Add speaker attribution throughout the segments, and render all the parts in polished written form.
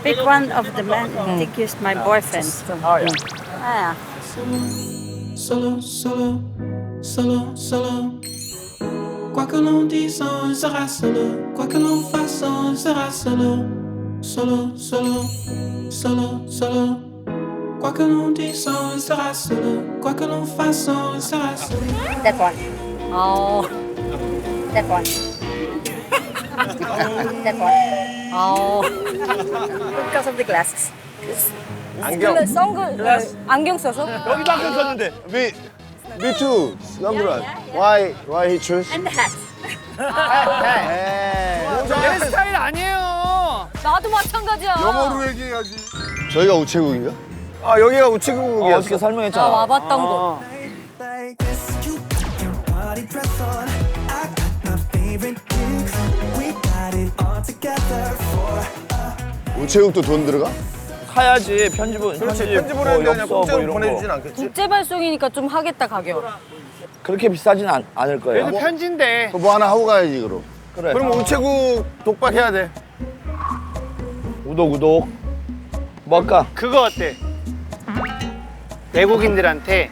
Speaker 1: Pick one of the men. I think he's my boyfriend.
Speaker 2: Oh yeah.
Speaker 1: Ah,
Speaker 3: Solo, solo, solo, solo. Quoi que l'on dise, on sera solo. Quoi que l'on fasse, on sera solo. Solo, solo, solo, solo. Quoi que l'on dise, on sera solo. Quoi que l'on fasse, on sera solo.
Speaker 1: that one.
Speaker 4: 어,
Speaker 1: That one. That one.
Speaker 4: 어.
Speaker 1: Because of the glasses.
Speaker 2: 안경.
Speaker 4: 안경 써서?
Speaker 2: 여기도 안경 썼는데.
Speaker 5: Me too. Number one. Why he choose?
Speaker 1: And the hat.
Speaker 2: 내 스타일 아니에요.
Speaker 4: 나도 마찬가지야.
Speaker 5: 영어로 얘기해야지. 저희가 우체국인가?
Speaker 2: 아 여기가 우체국이었어.
Speaker 6: 어떻게
Speaker 4: 나
Speaker 6: 설명했잖아.
Speaker 4: 와봤던 곳.
Speaker 3: Like this, you got your party dress on. I got my favorite drinks. We got it all together for
Speaker 5: 우체국도 돈 들어가?
Speaker 6: 사야지 편집은
Speaker 2: 그렇지.
Speaker 6: 편집
Speaker 2: 편지 보내는데 그냥
Speaker 6: 엽서
Speaker 2: 공짜로
Speaker 6: 이런
Speaker 2: 보내주진
Speaker 6: 거.
Speaker 2: 않겠지.
Speaker 4: 국제 발송이니까 좀 하겠다 가격.
Speaker 6: 그렇게 비싸진 않을 거예요.
Speaker 2: 그래도 편지인데.
Speaker 5: 뭐 하나 하고 가야지 그럼.
Speaker 6: 그래.
Speaker 2: 그럼 우체국 독박해야 돼.
Speaker 6: 구독. 뭐 할까?
Speaker 7: 그거 어때? 외국인들한테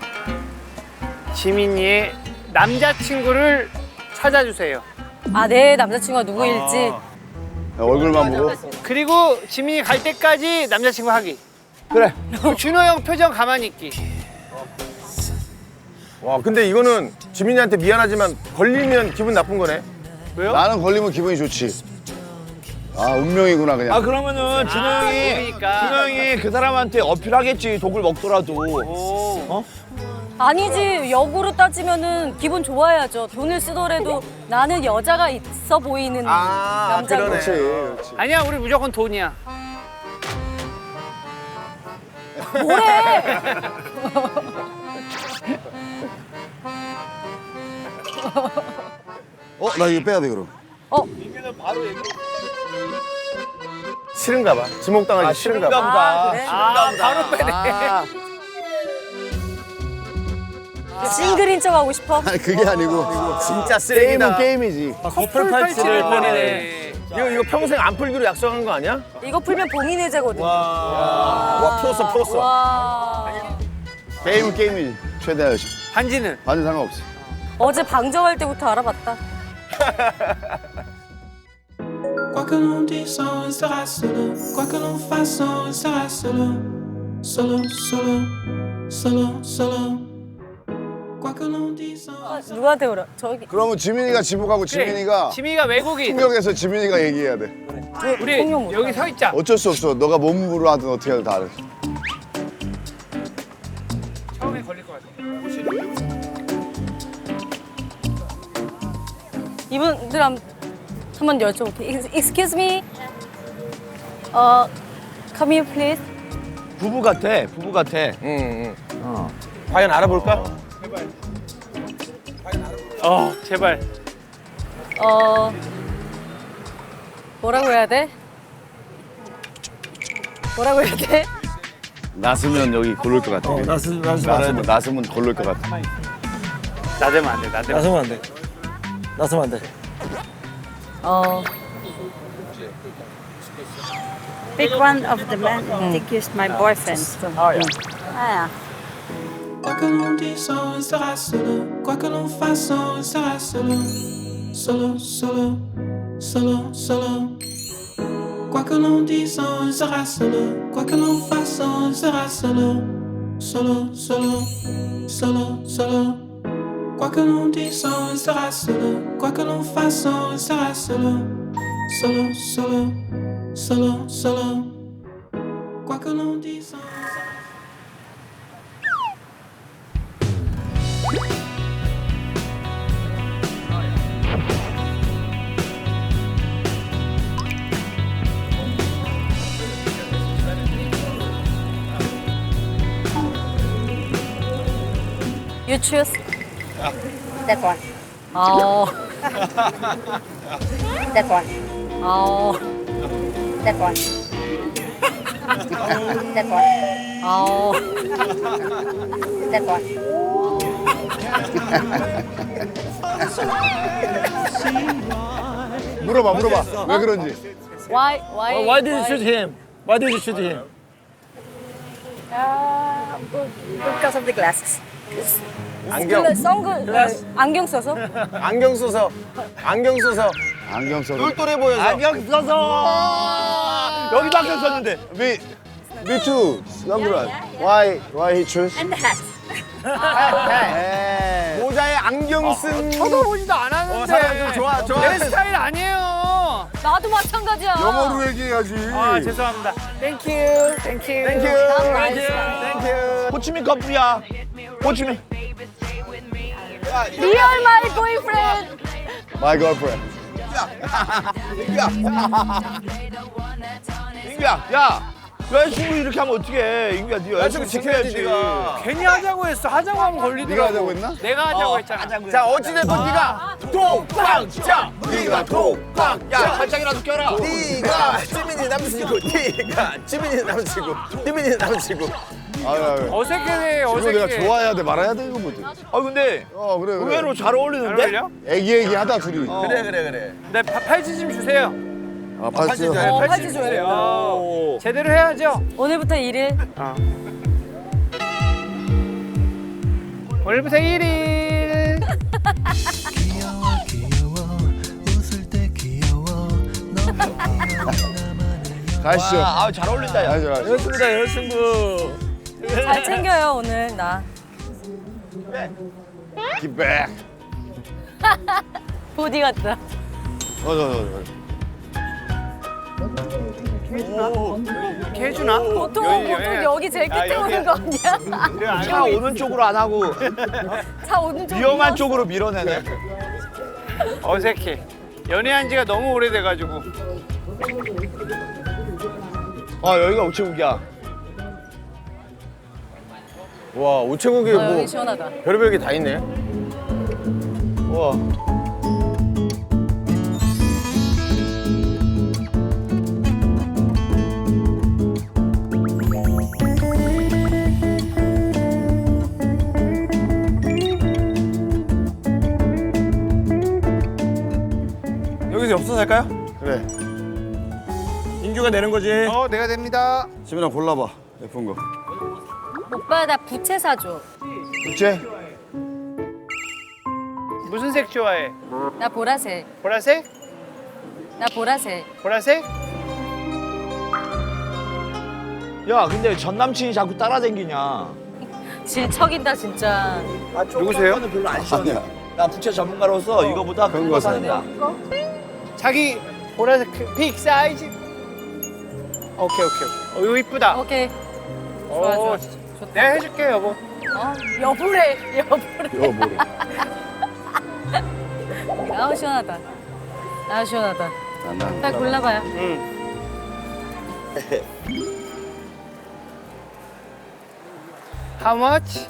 Speaker 7: 지민이의 남자친구를 찾아주세요.
Speaker 4: 아, 내 남자친구가 누구일지.
Speaker 5: 야, 얼굴만 보고.
Speaker 7: 그리고 지민이 갈 때까지 남자친구 하기.
Speaker 6: 그래.
Speaker 7: 그리고 준호 형 표정 가만히 있기.
Speaker 2: 와 근데 이거는 지민이한테 미안하지만 걸리면 기분 나쁜 거네.
Speaker 7: 왜요?
Speaker 5: 나는 걸리면 기분이 좋지. 아 운명이구나 그냥.
Speaker 6: 아 그러면은 준호 형이
Speaker 7: 그러니까.
Speaker 6: 그 사람한테 어필하겠지. 독을 먹더라도.
Speaker 7: 오.
Speaker 4: 아니지, 역으로 따지면은 기분 좋아야죠. 돈을 쓰더라도 나는 여자가 있어 보이는 남자고.
Speaker 2: 그러네.
Speaker 5: 그렇지.
Speaker 7: 아니야, 우리 무조건 돈이야.
Speaker 4: 뭐래?
Speaker 5: 나 이거 빼야 돼 그럼.
Speaker 2: 싫은가 봐. 지목당하기 싫은가 봐.
Speaker 6: 보다.
Speaker 4: 그래?
Speaker 7: 아, 바로 빼네.
Speaker 4: 싱글인 척 하고 싶어?
Speaker 5: 아니 그게 아니고
Speaker 2: 진짜 쓰레기다.
Speaker 5: 게임은 게임이지.
Speaker 7: 커플 팔찌를 꺼내네.
Speaker 2: 이거 평생 안 풀기로 약속한 거 아니야?
Speaker 4: 이거 풀면 봉인해제거든.
Speaker 2: 와 풀었어.
Speaker 4: 와.
Speaker 5: 게임은 게임이지. 최대한 열심히.
Speaker 7: 반지는?
Speaker 5: 반은 상관없어.
Speaker 4: 어제 방정할 때부터 알아봤다.
Speaker 3: Quoi que l'on dise, on sera solo. Quoi que l'on fasse, on sera solo. Solo, solo, solo, solo. Quoi que l'on dise, on
Speaker 4: 누구한테 그래? 저기.
Speaker 5: 그러면 지민이가 지목하고 지민이가
Speaker 7: 지민이가 외국인.
Speaker 5: 충격에서 지민이가 얘기해야 돼.
Speaker 7: 우리
Speaker 4: 통역 못
Speaker 7: 여기 서 있자.
Speaker 5: 어쩔 수 없어. 너가 몸으로 하든 어떻게 하든 다 알아.
Speaker 7: 처음에 걸릴 것 같아.
Speaker 4: 이분들 한번 여쭤볼게. Excuse me. Come here, please.
Speaker 6: 부부 같아.
Speaker 2: 응. 과연 알아볼까?
Speaker 7: 제발.
Speaker 4: 뭐라고 해야 돼? 뭐라고 해야 돼?
Speaker 5: 나서면 여기 고를 것 같아. 나서면 고를 것 같아.
Speaker 7: 나대면 안 돼, 나대면.
Speaker 6: 나서면 안 돼.
Speaker 1: Pick one of the men. I think he's my boyfriend.
Speaker 2: Oh yeah.
Speaker 1: Ah,
Speaker 3: Quoi que l'on dise, on sera solo. Quoi que l'on fasse, on sera solo. Solo, solo, solo, solo. Quoi que l'on dise, on sera solo. Quoi que l'on fasse, on sera solo. Solo, solo, solo, solo. Quoi que l'on dise, on sera solo. Quoi que l'on fasse, on sera solo. Solo, solo, solo, solo. Quoi que l'on dise, on sera
Speaker 4: You choose.
Speaker 1: that one. That one. That one. That one. That one.
Speaker 5: 물어봐. 왜 그런지.
Speaker 4: Why
Speaker 6: Why did you choose him? Why did you shoot him?
Speaker 1: Because of the glasses.
Speaker 2: 안경.
Speaker 4: 안경 써서?
Speaker 2: 안경 써서. 안경 써서.
Speaker 5: 안경 써서.
Speaker 2: 똘똘해 보여서.
Speaker 6: 안경 써서 여기도 안경 썼는데.
Speaker 5: Me too. Sunglass. Why he choose?
Speaker 1: And the hat.
Speaker 2: 모자에 안경 쓴.
Speaker 7: 쳐다보지도 않았는데.
Speaker 2: 사람 좀 좋아.
Speaker 7: 내 스타일 아니에요.
Speaker 4: 나도 마찬가지야.
Speaker 5: 영어로 얘기해야지.
Speaker 7: 아 죄송합니다. 땡큐.
Speaker 2: 땡큐.
Speaker 6: 호치민 커플이야. 호치민.
Speaker 4: 리얼 마이 보이프렌드.
Speaker 5: My girlfriend.
Speaker 6: 인규야, 야. 여자친구 이렇게 하면 어떡해. 인규야, 네 여자친구 지켜야지.
Speaker 2: 네가.
Speaker 7: 괜히 하자고 했어. 하자고 하면 걸리더라고.
Speaker 5: 네가 하자고 했나?
Speaker 7: 내가 하자고 했잖아.
Speaker 2: 자 어찌됐건 네가 독박자. 네가 독박.
Speaker 6: 야, 팔짱이라도 껴라.
Speaker 2: 네가 찌민이 남친구. 네가 찌민이 남친구. 찌민이 남친구.
Speaker 5: 아유.
Speaker 7: 어색해
Speaker 5: 이거
Speaker 7: 어색해.
Speaker 5: 내가 좋아해야 돼 말아야 돼 이거 뭐지?
Speaker 6: 아, 근데
Speaker 5: 그래.
Speaker 6: 의외로 잘
Speaker 7: 잘
Speaker 6: 어울리는데?
Speaker 7: 어울려?
Speaker 5: 애기애기하다 둘이.
Speaker 2: 그래.
Speaker 7: 네 팔찌 좀 주세요.
Speaker 5: 아 봤죠?
Speaker 4: 팔찌 줘요.
Speaker 7: 오. 제대로 해야죠.
Speaker 4: 오늘부터 1일.
Speaker 7: 오늘부터 1일.
Speaker 5: 가시죠.
Speaker 6: 잘 어울린다, 야.
Speaker 5: 가시죠.
Speaker 6: 여자친구다, 여자친구.
Speaker 4: 잘 챙겨요 오늘 나.
Speaker 5: Get back.
Speaker 4: 보디 같다.
Speaker 7: 이렇게 해주나?
Speaker 4: 보통
Speaker 7: 여기.
Speaker 4: 여기 제일 끝에
Speaker 7: 아,
Speaker 4: 오는 거 아니야?
Speaker 6: 차 오는 쪽으로 안 하고
Speaker 4: 차 오는 쪽.
Speaker 6: 위험한 쪽으로 밀어내네.
Speaker 7: 어색해. 연애한 지가 너무 오래돼가지고.
Speaker 6: 여기가 우체국이야.
Speaker 2: 와 우체국에
Speaker 4: 여기
Speaker 2: 뭐
Speaker 4: 시원하다.
Speaker 2: 별의별 게 다 있네.
Speaker 6: 우와.
Speaker 2: 여기서 엽서 살까요?
Speaker 5: 그래.
Speaker 2: 인규가 내는 거지.
Speaker 7: 내가 됩니다.
Speaker 5: 지민아 골라봐. 예쁜 거.
Speaker 4: 오빠 나 부채 사줘.
Speaker 5: 부채?
Speaker 7: 무슨 색 좋아해?
Speaker 4: 나 보라색.
Speaker 7: 보라색?
Speaker 4: 나 보라색.
Speaker 7: 보라색?
Speaker 6: 야, 근데 전 남친이 자꾸 따라다니냐?
Speaker 4: 질척인다 진짜.
Speaker 7: 누구세요?
Speaker 6: 별로 안 시원해.
Speaker 5: 아니야.
Speaker 6: 나 부채 전문가로서 이거보다
Speaker 5: 그런
Speaker 6: 큰
Speaker 5: 거
Speaker 6: 거 사는
Speaker 5: 사야
Speaker 6: 거야.
Speaker 7: 자기 보라색 빅 사이즈. 오케이. 이거 이쁘다.
Speaker 4: 오케이. 좋아 좋아. 좋다.
Speaker 7: 내가 해줄게 여보.
Speaker 4: 여보래.
Speaker 5: 이거 뭐래?
Speaker 4: 아우 시원하다. 아우 시원하다.
Speaker 5: 난
Speaker 4: 빨리 골라봐요.
Speaker 7: How much?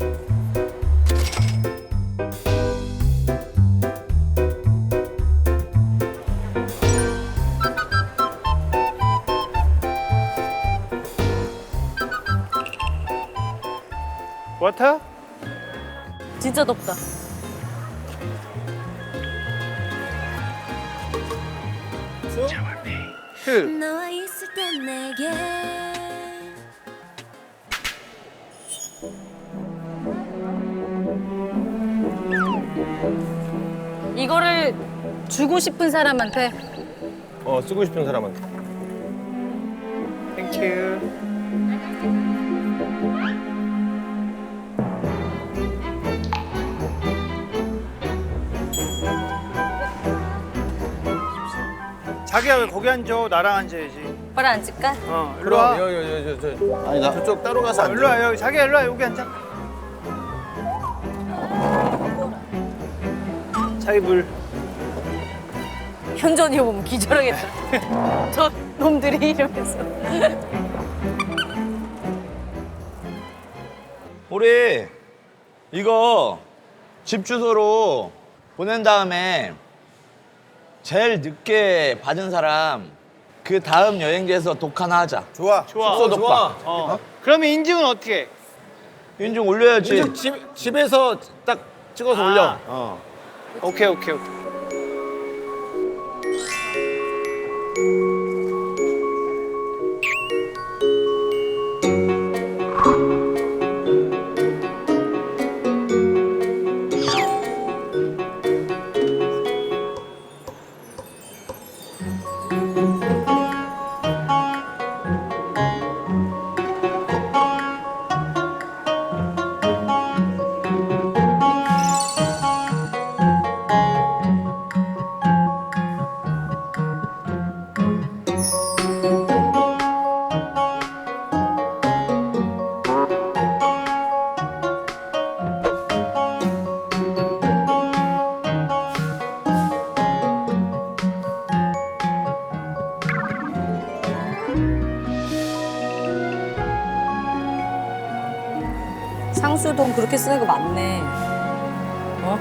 Speaker 7: Water?
Speaker 4: 진짜 덥다.
Speaker 7: Two.
Speaker 8: 너와 있을 땐 내게
Speaker 4: 이거를 주고 싶은 사람한테.
Speaker 2: 쓰고 싶은 사람한테.
Speaker 7: Thank you. 자기야 왜 거기 앉아? 나랑 앉아야지.
Speaker 4: 오빠랑 앉을까?
Speaker 7: 일로 와.
Speaker 2: 아니다. 저쪽 따로 가서 앉아.
Speaker 7: 일로 와 여기 자기야 일로 와 여기 앉아. 자기 물.
Speaker 4: 현전이 보면 기절하겠다. 저 놈들이 이러면서.
Speaker 6: 우리 이거 집 주소로 보낸 다음에 제일 늦게 받은 사람 그 다음 여행지에서 독 하나 하자.
Speaker 2: 좋아.
Speaker 6: 숙소 독박.
Speaker 7: 그러면 인증은 어떻게 해?
Speaker 6: 인증 올려야지.
Speaker 2: 인증 집에서 딱 찍어서 올려.
Speaker 7: 오케이.
Speaker 4: 상수동 그렇게 쓰는 거 맞네. 어?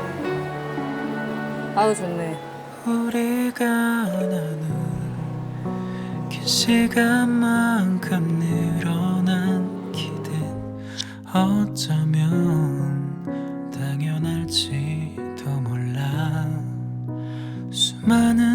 Speaker 4: 아유 좋네.
Speaker 3: 우리가 나눈 긴 시간만큼 늘어난 기댄 어쩌면 당연할지도 몰라. 수많은